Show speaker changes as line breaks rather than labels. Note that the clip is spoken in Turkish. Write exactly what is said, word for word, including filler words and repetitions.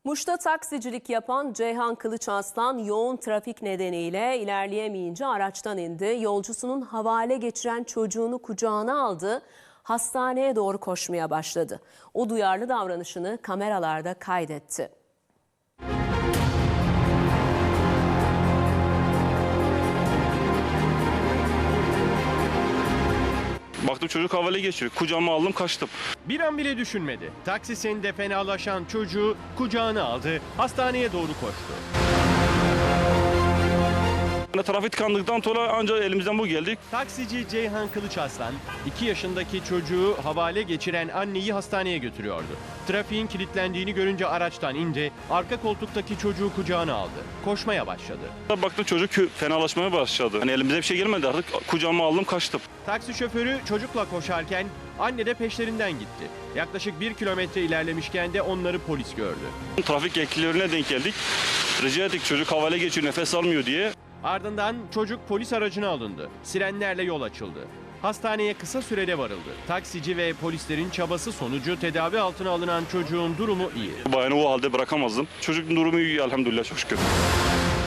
Muş'ta taksicilik yapan Ceyhan Kılıçarslan yoğun trafik nedeniyle ilerleyemeyince araçtan indi. Yolcusunun havale geçiren çocuğunu kucağına aldı. Hastaneye doğru koşmaya başladı. O duyarlı davranışını kameralarda kaydetti.
Baktım çocuk havale geçiyor. Kucağıma aldım, kaçtım.
Bir an bile düşünmedi. Taksisinde fenalaşan çocuğu kucağına aldı, hastaneye doğru koştu.
Trafik tıkandıktan sonra ancak elimizden bu geldik.
Taksici Ceyhan Kılıçarslan, iki yaşındaki çocuğu havale geçiren anneyi hastaneye götürüyordu. Trafiğin kilitlendiğini görünce araçtan indi, arka koltuktaki çocuğu kucağına aldı. Koşmaya başladı.
Baktım çocuk fenalaşmaya başladı. Hani elimize bir şey gelmedi artık. Kucağıma aldım, kaçtım.
Taksi şoförü çocukla koşarken anne de peşlerinden gitti. Yaklaşık bir kilometre ilerlemişken de onları polis gördü.
Trafik eklilerine denk geldik. Rica ettik, çocuk havale geçiyor, nefes almıyor diye.
Ardından çocuk polis aracına alındı. Sirenlerle yol açıldı. Hastaneye kısa sürede varıldı. Taksici ve polislerin çabası sonucu tedavi altına alınan çocuğun durumu iyi.
Bayanı o halde bırakamazdım. Çocuğun durumu iyi elhamdülillah, çok şükür.